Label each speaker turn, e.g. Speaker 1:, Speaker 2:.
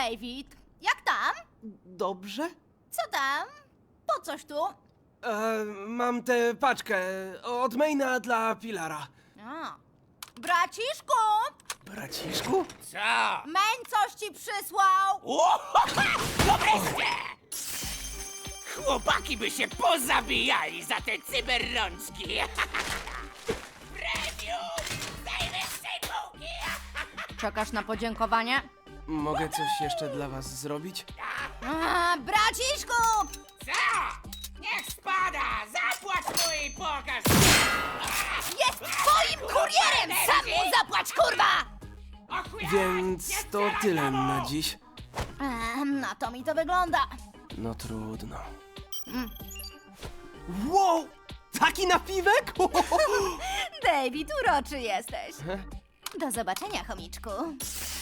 Speaker 1: David, jak tam?
Speaker 2: Dobrze?
Speaker 1: Co tam? Po coś tu?
Speaker 2: Mam tę paczkę od Maina dla Pilara.
Speaker 1: A. Braciszku,
Speaker 2: Braciszku?
Speaker 3: Co?
Speaker 1: Main coś ci przysłał.
Speaker 3: No wreszcie! Chłopaki by się pozabijali za te cyberrączki. Premium! Z najwyższej półki!
Speaker 1: Czekasz na podziękowanie?
Speaker 2: Mogę coś jeszcze dla was zrobić?
Speaker 1: Braciszku!
Speaker 3: Co? Niech spada! Zapłać mu i pokaż!
Speaker 1: Jest twoim kurierem! Sam mu zapłać, kurwa!
Speaker 2: Więc to tyle na dziś.
Speaker 1: Na to mi to wygląda.
Speaker 2: No trudno. Wow! Taki napiwek?
Speaker 1: David, uroczy jesteś. Do zobaczenia, chomiczku.